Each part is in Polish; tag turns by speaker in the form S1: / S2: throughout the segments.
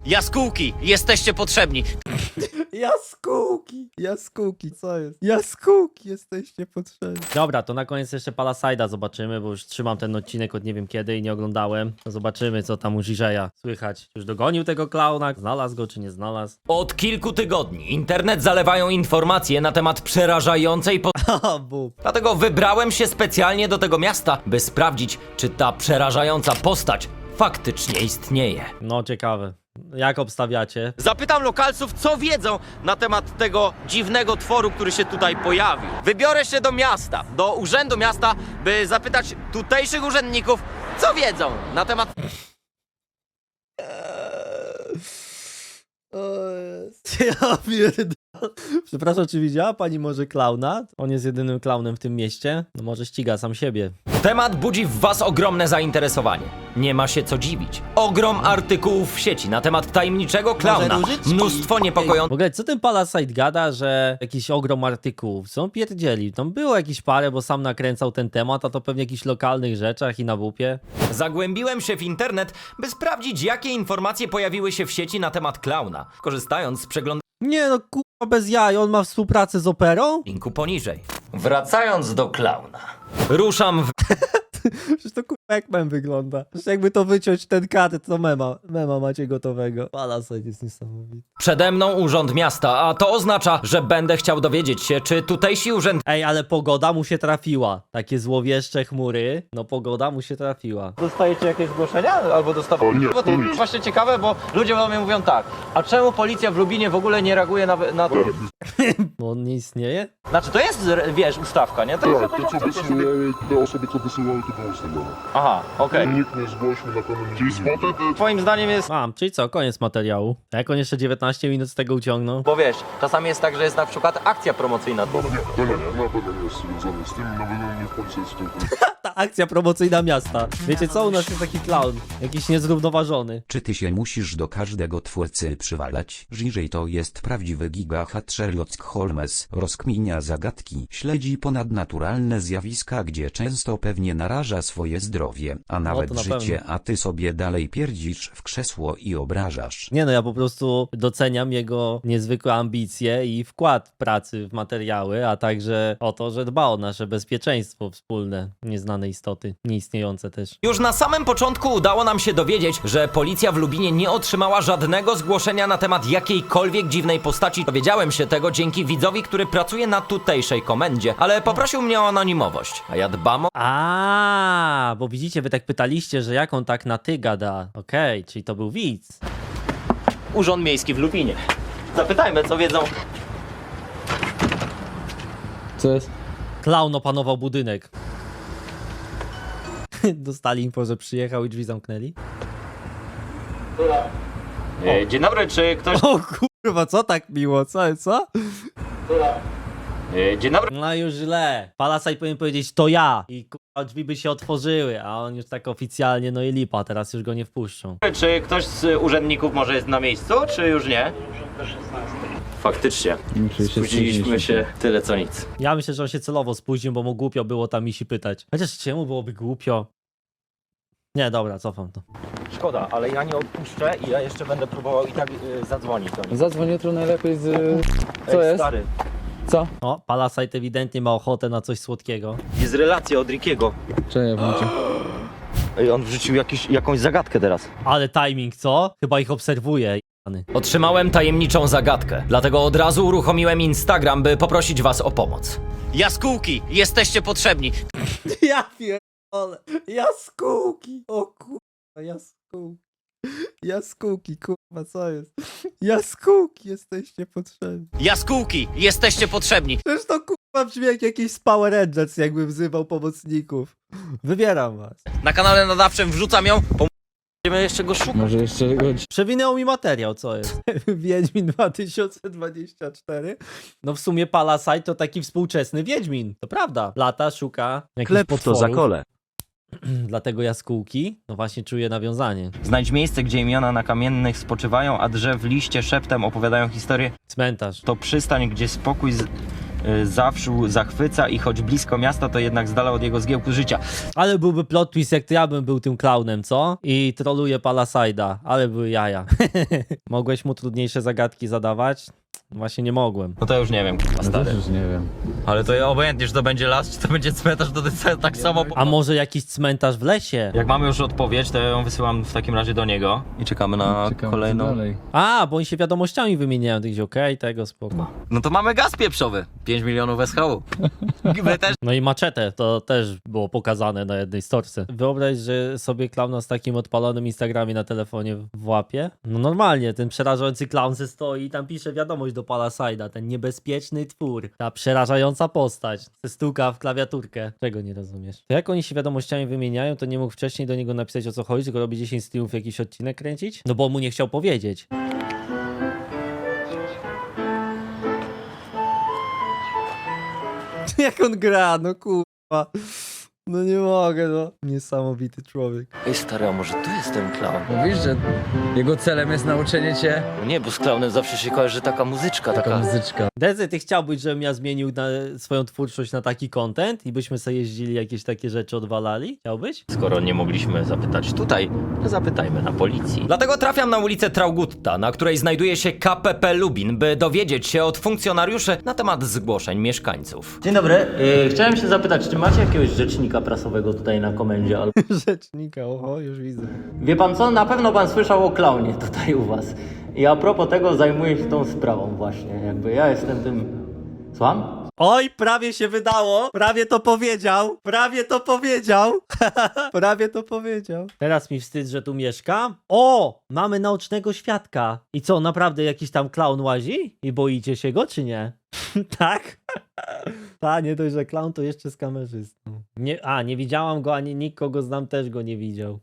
S1: Jaskółki, jesteście potrzebni.
S2: Jaskółki, co jest? Jaskółki, jesteście potrzebni. Dobra, to na koniec jeszcze Palaside'a zobaczymy, bo już trzymam ten odcinek od nie wiem kiedy i nie oglądałem. To zobaczymy, co tam u Żiżeja słychać. Już dogonił tego klauna? Znalazł go, czy nie znalazł?
S1: Od kilku tygodni internet zalewają informacje na temat przerażającej
S2: Haha, bób.
S1: Dlatego wybrałem się specjalnie do tego miasta, by sprawdzić, czy ta przerażająca postać faktycznie istnieje.
S2: No, ciekawe. Jak obstawiacie?
S1: Zapytam lokalców, co wiedzą na temat tego dziwnego tworu, który się tutaj pojawił. Wybiorę się do miasta, do urzędu miasta, by zapytać tutejszych urzędników, co wiedzą na temat...
S2: Ja pierdolę. Przepraszam, czy widziała pani może klauna? On jest jedynym klaunem w tym mieście. No może ściga sam siebie.
S1: Temat budzi w was ogromne zainteresowanie. Nie ma się co dziwić. Ogrom artykułów w sieci na temat tajemniczego klauna.
S2: różyczki?
S1: Mnóstwo
S2: W
S1: niepokojących
S2: ogóle, co ten Palasite gada, że jakiś ogrom artykułów? Co on pierdzieli? Tam było jakieś parę, bo sam nakręcał ten temat, a to pewnie jakichś lokalnych rzeczach i na WP.
S1: Zagłębiłem się w internet, by sprawdzić, jakie informacje pojawiły się w sieci na temat klauna, korzystając z przeglądu
S2: Nie no, kurwa bez jaj, on ma współpracę z operą?
S1: linku poniżej. Wracając do klauna. Ruszam w
S2: Przecież to kurwa jak mem wygląda. Przecież jakby to wyciąć ten kadr, to mema macie gotowego. Palasite jest niesamowity.
S1: przede mną urząd miasta, a to oznacza, że będę chciał dowiedzieć się, czy tutejsi
S2: Ej, ale pogoda mu się trafiła. Takie złowieszcze chmury, no pogoda mu się trafiła.
S3: Dostajecie jakieś zgłoszenia? Albo dostawacie?
S4: Nie,
S3: Bo to
S4: to nie.
S3: jest właśnie ciekawe, bo ludzie do mnie mówią tak, a czemu policja w Lubinie w ogóle nie reaguje na to?
S2: Bo on nie istnieje?
S3: Znaczy to jest, wiesz, ustawka, nie? To jest
S4: Tak, to co wysyłały, te osoby co wysyłały, to było ustawione.
S3: Aha, okej.
S4: Nikt nie zgłosił na pewno. Czyli spotted,
S3: Twoim zdaniem jest,
S2: Mam, czyli co, koniec materiału. Jak on jeszcze 19 minut z tego uciągnął?
S3: bo wiesz, czasami jest tak, że jest na przykład akcja promocyjna.
S4: to nie, na pewno nie jest związane z tym, na pewno nie policja jest w tym.
S2: Ta akcja promocyjna miasta. Wiecie co, u nas jest taki clown. Jakiś niezrównoważony.
S5: Czy ty się musisz do każdego twórcy przywalać? Żiżej to jest prawdziwy gigahat Sherlock Holmes. Rozkminia zagadki, śledzi ponadnaturalne zjawiska, gdzie często pewnie naraża swoje zdrowie, a nawet
S2: to na
S5: życie,
S2: pewno.
S5: a ty sobie dalej pierdzisz w krzesło i obrażasz.
S2: Nie no, ja po prostu doceniam jego niezwykłe ambicje i wkład pracy w materiały, a także o to, że dba o nasze bezpieczeństwo wspólne, nieznane istoty, nieistniejące też.
S1: Już na samym początku udało nam się dowiedzieć, że policja w Lubinie nie otrzymała żadnego zgłoszenia na temat jakiejkolwiek dziwnej postaci. Dowiedziałem się tego dzięki widzowi, który pracuje na tutejszej komendzie, ale poprosił mnie o anonimowość, a ja dbam o...
S2: A, bo widzicie, wy tak pytaliście, że jak on tak na ty gada. Okej, czyli to był widz.
S3: Urząd Miejski w Lubinie. Zapytajmy, co wiedzą.
S6: Co jest?
S2: Klaun opanował budynek. Dostali info, że przyjechał i drzwi zamknęli.
S3: Dzień dobry, czy ktoś...
S2: O kurwa, co tak miło, co?
S3: Dzień dobry.
S2: No już źle. Palasite powinien powiedzieć to ja i kurwa drzwi by się otworzyły, a on już tak oficjalnie, no i lipa, teraz już go nie wpuszczą.
S3: Czy ktoś z urzędników może jest na miejscu, czy już nie? Faktycznie. Spóźniliśmy się tyle co nic.
S2: Ja myślę, że on się celowo spóźnił, bo mu głupio było tam Misi pytać. Chociaż czemu byłoby głupio? Nie, dobra, cofam to.
S3: Szkoda, ale ja nie odpuszczę i ja jeszcze będę próbował i tak zadzwonić do nich.
S6: Zadzwoń jutro najlepiej z... Co
S3: Ej,
S6: jest?
S3: Stary,
S6: Co?
S2: O, Palasite ewidentnie ma ochotę na coś słodkiego.
S3: jest relacja od Rickiego.
S6: Czekaj, włączę.
S3: Ej, on wrzucił jakąś zagadkę teraz.
S2: Ale timing, co? Chyba ich obserwuje. jany.
S1: Otrzymałem tajemniczą zagadkę, dlatego od razu uruchomiłem Instagram, by poprosić was o pomoc. Jaskółki, jesteście potrzebni.
S2: Ja pierdolę. Jaskółki. O kurwa, jaskółki. Jaskółki, kurwa, co jest? Jaskółki, jesteście potrzebni.
S1: Jaskółki, jesteście potrzebni.
S2: Przecież to kurwa brzmi jak jakiś z Power Rangers, jakby wzywał pomocników. Wybieram was.
S1: Na kanale nadawczym wrzucam ją.
S3: Będziemy jeszcze go szukać.
S6: Może jeszcze go...
S2: Przewinęło mi materiał, co jest? Wiedźmin 2024. No w sumie Palasite to taki współczesny Wiedźmin. To prawda. Lata, szuka jakichś potworów. Dlatego jaskółki, no właśnie czuję nawiązanie.
S3: Znajdź miejsce, gdzie imiona na kamiennych spoczywają, a drzew liście szeptem opowiadają historię.
S2: Cmentarz.
S3: To przystań, gdzie spokój zawsze zachwyca i choć blisko miasta, to jednak z dala od jego zgiełku życia.
S2: Ale byłby plot twist, jak to ja bym był tym klaunem, co? I troluje Palasajda, ale były jaja. Mogłeś mu trudniejsze zagadki zadawać? Właśnie nie mogłem.
S3: No to już nie wiem, k***a,
S6: No
S3: stary.
S6: też już nie wiem.
S3: Ale to obojętnie, czy to będzie las, czy to będzie cmentarz, to jest tak samo.
S2: A może jakiś cmentarz w lesie?
S3: Jak mamy już odpowiedź, to ja ją wysyłam w takim razie do niego i czekamy na
S6: Czekamy
S3: kolejną.
S6: co dalej.
S2: A, bo oni się wiadomościami wymieniają. Ty gdzieś okej, tego spoko.
S3: No to mamy gaz pieprzowy. 5 milionów SHU. My też.
S2: No i maczetę, to też było pokazane na jednej storce. Wyobraź, że sobie klauna z takim odpalonym Instagramie na telefonie w łapie. No normalnie, ten przerażający klaun se stoi i tam pisze wiadomość do Palasajda, ten niebezpieczny twór, ta przerażająca postać, se stuka w klawiaturkę. Czego nie rozumiesz? To jak oni się wiadomościami wymieniają, to nie mógł wcześniej do niego napisać o co chodzi, tylko robi 10 streamów jakiś odcinek kręcić? No bo mu nie chciał powiedzieć. Jak on gra, no kurwa. No nie mogę, no. Niesamowity człowiek.
S3: Ej stary, a może tu jest ten clown?
S6: Mówisz, że jego celem jest nauczenie cię?
S3: Nie, bo z clownem zawsze się kojarzy taka muzyczka,
S6: Taka muzyczka.
S2: Dezy, ty chciałbyś, żebym ja zmienił swoją twórczość na taki content i byśmy sobie jeździli jakieś takie rzeczy odwalali? Chciałbyś?
S3: Skoro nie mogliśmy zapytać tutaj, to zapytajmy na policji.
S1: Dlatego trafiam na ulicę Traugutta, na której znajduje się KPP Lubin, by dowiedzieć się od funkcjonariuszy na temat zgłoszeń mieszkańców.
S7: Dzień dobry. Chciałem się zapytać, czy macie jakiegoś rzecznika prasowego tutaj na komendzie?
S2: Rzecznika, oho, już widzę.
S7: Wie pan co? Na pewno pan słyszał o klaunie tutaj u was. I a propos tego zajmuję się tą sprawą właśnie. Jakby ja jestem tym... Słucham?
S2: Oj, prawie się wydało! Prawie to powiedział! Prawie to powiedział! Prawie to powiedział. Teraz mi wstyd, że tu mieszka. O! Mamy naocznego świadka. I co, naprawdę jakiś tam klaun łazi? I boicie się go, czy nie? Tak? Ta, nie dość, że klaun, to jeszcze z kamerzystą. Nie widziałam go, ani nikt, kogo znam, też go nie widział.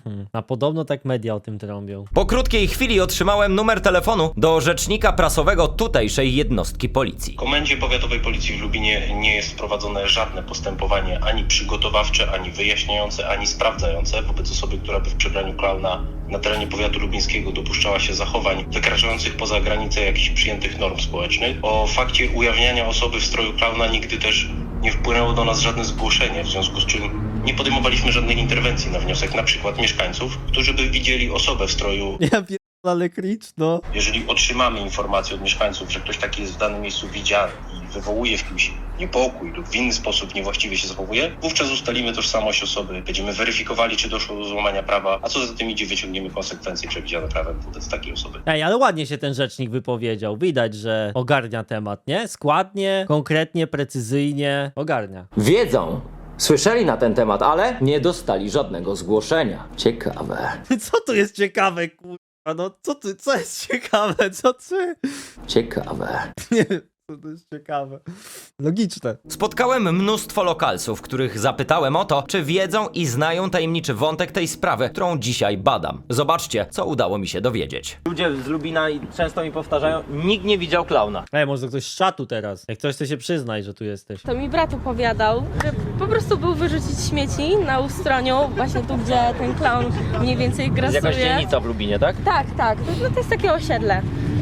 S2: A podobno tak media o tym trąbią.
S1: Po krótkiej chwili otrzymałem numer telefonu do rzecznika prasowego tutejszej jednostki policji.
S8: W Komendzie Powiatowej Policji w Lubinie nie jest prowadzone żadne postępowanie ani przygotowawcze, ani wyjaśniające, ani sprawdzające wobec osoby, która by w przebraniu klauna na terenie powiatu lubińskiego dopuszczała się zachowań wykraczających poza granice jakichś przyjętych norm społecznych. O fakcie ujawniania osoby w stroju klauna nigdy też nie wpłynęło do nas żadne zgłoszenie, w związku z czym nie podejmowaliśmy żadnych interwencji na wniosek na przykład mieszkańców, którzy by widzieli osobę w stroju.
S2: Ja ale kricz, no.
S8: Jeżeli otrzymamy informację od mieszkańców, że ktoś taki jest w danym miejscu widziany i wywołuje w kimś niepokój lub w inny sposób niewłaściwie się zachowuje, wówczas ustalimy tożsamość osoby, będziemy weryfikowali, czy doszło do złamania prawa, a co za tym idzie, wyciągniemy konsekwencje przewidziane prawem wobec takiej osoby.
S2: Ej, ale ładnie się ten rzecznik wypowiedział. Widać, że ogarnia temat, nie? Składnie, konkretnie, precyzyjnie ogarnia.
S1: Wiedzą, słyszeli na ten temat, ale nie dostali żadnego zgłoszenia. Ciekawe.
S2: Co tu jest ciekawe, kurwa? No co jest ciekawe? Co ty?
S1: Ciekawe.
S2: Nie wiem, co to jest ciekawe. Logiczne.
S1: Spotkałem mnóstwo lokalsów, których zapytałem o to, czy wiedzą i znają tajemniczy wątek tej sprawy, którą dzisiaj badam. Zobaczcie, co udało mi się dowiedzieć.
S3: Ludzie z Lubina i często mi powtarzają, nikt nie widział klauna.
S2: Ej, może ktoś z czatu teraz. Jak ktoś, to się przyznaj, że tu jesteś.
S9: To mi brat opowiadał, że po prostu był wyrzucić śmieci na Ustroniu, właśnie tu, gdzie ten klaun mniej więcej
S3: Jest
S9: grasuje.
S3: jakaś dzielnica w Lubinie, tak?
S9: Tak. To jest takie osiedle.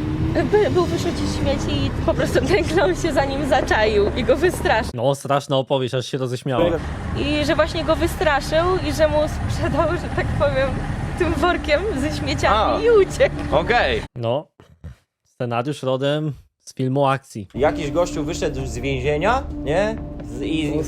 S9: Był wyrzucić śmieci i po prostu ten klaun się za nim zaczaił i go wystraszył.
S2: No, straszna opowieść, aż się roześmiała.
S9: I że właśnie go wystraszył i że mu sprzedał, że tak powiem, tym workiem ze śmieciami i uciekł.
S3: Okej.
S2: No, scenariusz rodem z filmu akcji.
S3: Jakiś gościu wyszedł z więzienia, nie? I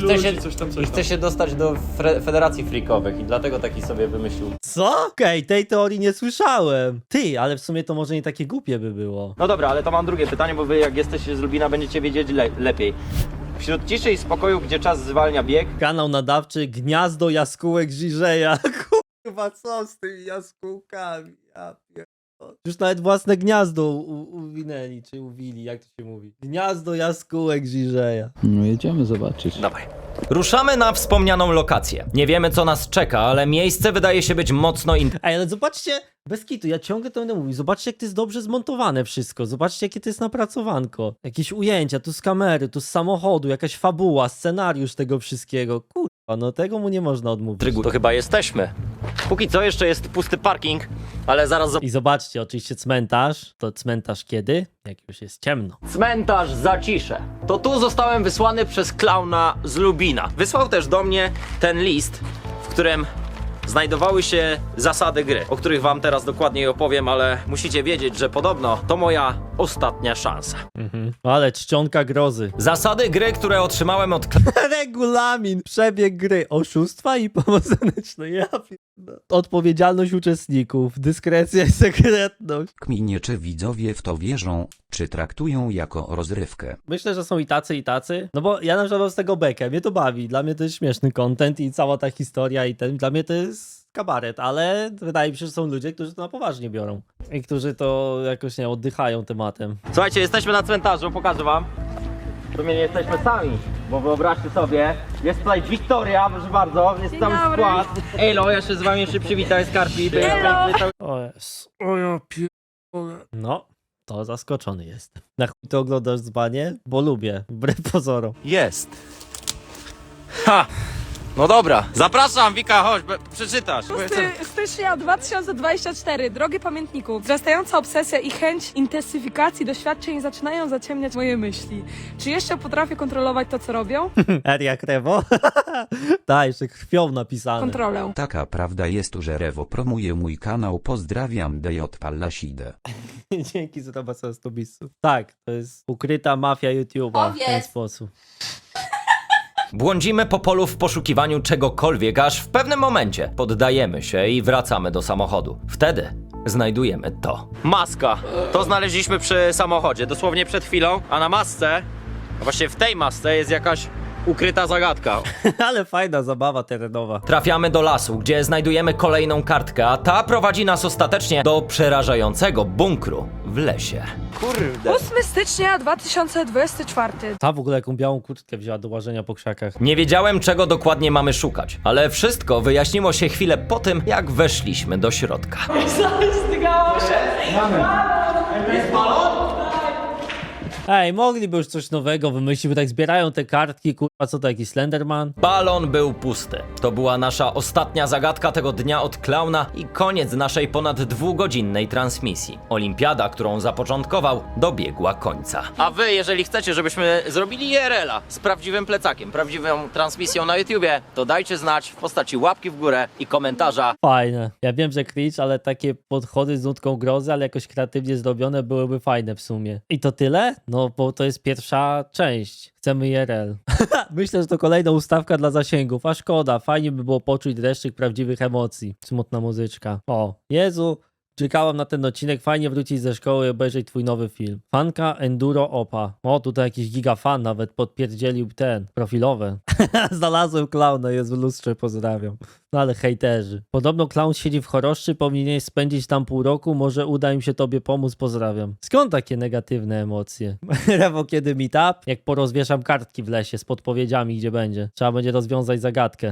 S3: chce się dostać do Federacji Freakowych i dlatego taki sobie wymyślił.
S2: Co? Okej, tej teorii nie słyszałem. Ty, ale w sumie to może nie takie głupie by było.
S3: No dobra, ale to mam drugie pytanie, bo wy jak jesteście z Lubina będziecie wiedzieć lepiej. Wśród ciszy i spokoju, gdzie czas zwalnia bieg,
S2: Kanał nadawczy Gniazdo Jaskółek Żyżeja. Kurwa, co z tymi jaskółkami? Ja pierdolę. Już nawet własne gniazdo uwinęli, czy uwili, jak to się mówi. Gniazdo Jaskółek Żyżeja.
S6: No jedziemy zobaczyć.
S1: Dawaj. Ruszamy na wspomnianą lokację. Nie wiemy, co nas czeka, ale miejsce wydaje się być mocno
S2: Ej, ale zobaczcie, bez kitu, ja ciągle to będę mówił, zobaczcie, jak to jest dobrze zmontowane wszystko, zobaczcie, jakie to jest napracowanko. Jakieś ujęcia, tu z kamery, tu z samochodu, jakaś fabuła, scenariusz tego wszystkiego. Kur... No tego mu nie można odmówić.
S3: Drygu, to chyba jesteśmy. Póki co jeszcze jest pusty parking, ale zaraz
S2: I zobaczcie, oczywiście cmentarz. To cmentarz kiedy? Jak już jest ciemno.
S3: Cmentarz Zacisze. To tu zostałem wysłany przez klauna z Lubina. Wysłał też do mnie ten list, w którym znajdowały się zasady gry, o których wam teraz dokładniej opowiem, ale musicie wiedzieć, że podobno to moja ostatnia szansa.
S2: Ale czcionka grozy.
S1: Zasady gry, które otrzymałem od
S2: Regulamin, przebieg gry, oszustwa i pomoc zewnętrzna. Ja pierdolę. Odpowiedzialność uczestników, dyskrecja i sekretność.
S5: Kminie, czy widzowie w to wierzą, czy traktują jako rozrywkę.
S2: Myślę, że są i tacy. No bo ja na przykład mam z tego bekę, mnie to bawi. Dla mnie to jest śmieszny content i cała ta historia i dla mnie to jest kabaret, ale wydaje mi się, że są ludzie, którzy to na poważnie biorą. I którzy to jakoś, nie oddychają tematem.
S3: Słuchajcie, jesteśmy na cmentarzu, pokażę wam. W sumie nie jesteśmy sami, bo wyobraźcie sobie, jest tutaj Wiktoria, proszę bardzo, jest cały skład. Elo, ja się z wami jeszcze przywitam, Skarpi.
S2: O jest. O ja pierdolę. No, to zaskoczony jestem. Na chuj to oglądasz dzbanie? Bo lubię, wbrew pozorom.
S3: Jest. Ha! No dobra, zapraszam, Wika, chodź, przeczytasz.
S10: 6 stycznia 2024. Drogi pamiętniku, wzrastająca obsesja i chęć intensyfikacji doświadczeń zaczynają zaciemniać moje myśli. Czy jeszcze potrafię kontrolować to, co robią?
S2: Eria Krewo? Tak, jeszcze krwią napisane.
S10: Kontrolę.
S5: Taka prawda jest, że Rewo promuje mój kanał. Pozdrawiam, DJ Pallasidę.
S2: Dzięki za zobaczenie z Tobisu. Tak, to jest ukryta mafia YouTube'a w ten sposób.
S1: Błądzimy po polu w poszukiwaniu czegokolwiek, aż w pewnym momencie poddajemy się i wracamy do samochodu. Wtedy znajdujemy to.
S3: Maska. To znaleźliśmy przy samochodzie, dosłownie przed chwilą, a na masce, a właściwie w tej masce jest jakaś ukryta zagadka.
S2: Ale fajna zabawa terenowa.
S1: Trafiamy do lasu, gdzie znajdujemy kolejną kartkę, a ta prowadzi nas ostatecznie do przerażającego bunkru w lesie.
S3: Kurde.
S10: 8 stycznia 2024.
S2: Ta w ogóle jaką białą kurtkę wzięła do łażenia po krzakach.
S1: Nie wiedziałem, czego dokładnie mamy szukać, ale wszystko wyjaśniło się chwilę po tym, jak weszliśmy do środka.
S2: Ej, mogliby już coś nowego wymyślić, bo tak zbierają te kartki, kurwa, co to, jakiś Slenderman?
S1: Balon był pusty. To była nasza ostatnia zagadka tego dnia od klauna i koniec naszej ponad 2-godzinnej transmisji. Olimpiada, którą zapoczątkował, dobiegła końca.
S3: A wy, jeżeli chcecie, żebyśmy zrobili IRL-a z prawdziwym plecakiem, prawdziwą transmisją na YouTubie, to dajcie znać w postaci łapki w górę i komentarza.
S2: Fajne. Ja wiem, że cringe, ale takie podchody z nutką grozy, ale jakoś kreatywnie zrobione byłyby fajne w sumie. I to tyle? No, bo to jest pierwsza część. Chcemy IRL. Myślę, że to kolejna ustawka dla zasięgów, a szkoda. Fajnie by było poczuć dreszczyk prawdziwych emocji. Smutna muzyczka. O, Jezu, czekałam na ten odcinek. Fajnie wrócić ze szkoły i obejrzeć twój nowy film. Fanka Enduro Opa. O, tutaj jakiś gigafan nawet podpierdzielił ten, profilowe. Znalazłem klauna, jest w lustrze, pozdrawiam. No ale hejterzy. Podobno klaun siedzi w choroszczy, powinieneś spędzić tam pół roku, może uda im się tobie pomóc, pozdrawiam. Skąd takie negatywne emocje? Rewo, kiedy meetup? Jak porozwieszam kartki w lesie z podpowiedziami, gdzie będzie. Trzeba będzie rozwiązać zagadkę.